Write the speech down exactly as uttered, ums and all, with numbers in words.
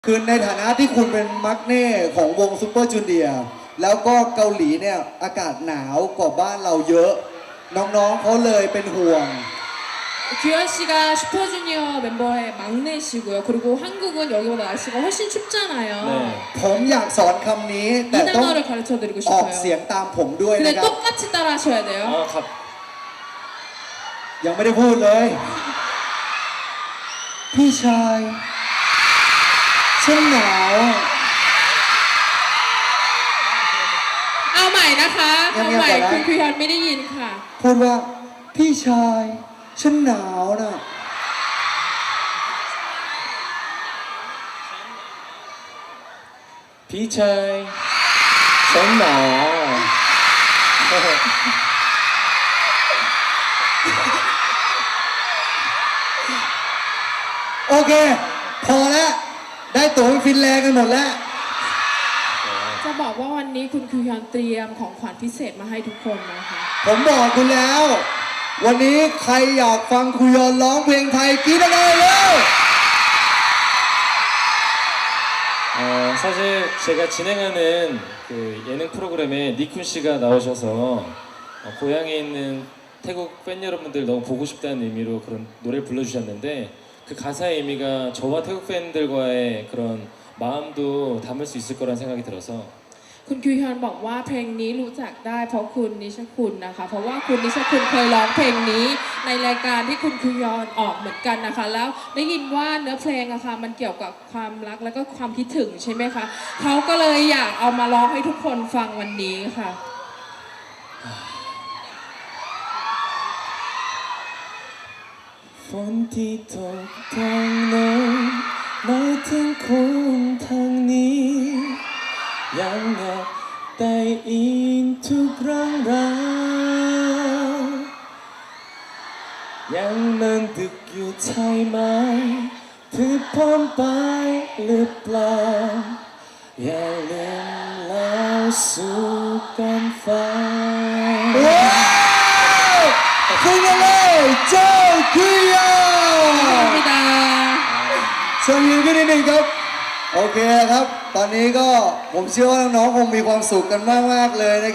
คือในฐานะที่คุณเป็นมักเน่ของวงซุปเปอร์จูเนียร์แล้วก็เกาหลีเนี่ยอากาศหนาวกว่าบ้านเราเยอะน้องๆเขาเลยเป็นห่วง 규현 씨가 슈퍼주니어 멤버의 막내시고요. 그리고 한국은 여기보다 날씨가 훨씬 춥잖아요. 네. ผมอยากสอนคำนี้ 이 แต่ต้อง 단어를 가르쳐드리고 ออกเสียง 싶어요. ตามผมด้วย 근데 นะครับ 똑같이 따라하셔야 돼요. 아, 갑. ยังไม่ได้พูดเลยพี่ชายฉันหนาวเอาใหม่นะคะเงียบๆเอาใหม่ก่อนนะคุณพิยอนไม่ได้ยินค่ะพูดว่าพี่ชายฉันหนาวนะ 비차이 전나 โอเค พอแล้ว ได้ตั๋วไปฟินแลนด์กันหมดแล้วจะบอกว่าวันนี้คุณคิวฮยอนเตรียมของขวัญพิเศษมาให้ทุกคนนะคะผมบอกคุณแล้ว วันนี้ใครอยากฟังคุยอนร้องเพลงไทยกรี๊ดอะไรเร็ว 어, 사실 제가 진행하는 그 예능 프로그램에 니쿤 씨가 나오셔서 어, 고향에 있는 태국 팬 여러분들 너무 보고 싶다는 의미로 그런 노래를 불러주셨는데 그 가사의 의미가 저와 태국 팬들과의 그런 마음도 담을 수 있을 거란 생각이 들어서 คุณคิวฮยอนบอกว่าเพลงนี้รู้จักได้เพราะคุณนิชคุณนะคะ เพราะว่าคุณนิชคุณเคยร้องเพลงนี้ในรายการที่คุณคิวฮยอนออกเหมือนกันนะคะ แล้วได้ยินว่าเนื้อเพลงอะค่ะมันเกี่ยวกับความรักแล้วก็ความคิดถึงใช่ไหมคะเขาก็เลยอยากเอามาร้องให้ทุกคนฟังวันนี้ค่ะฝนที่ตกทางโน้นมาถึงคนทางนี้ยังอยากได้ยินทุกเรื่องราวยังนั่งดึกอยู่ใช่ไหมเพื่อพร้อมไปหรือเปล่าอย่าลืมเล่าสู่กันฟังว้าวคุยกันเลยเจ้าคุยอน 감사합니다. เชิญยืนขึ้นนิดนึงครับ โอเคครับ ตอนนี้ก็ผมเชื่อว่าน้องๆคงมีความสุขกันมากๆเลยนะครับ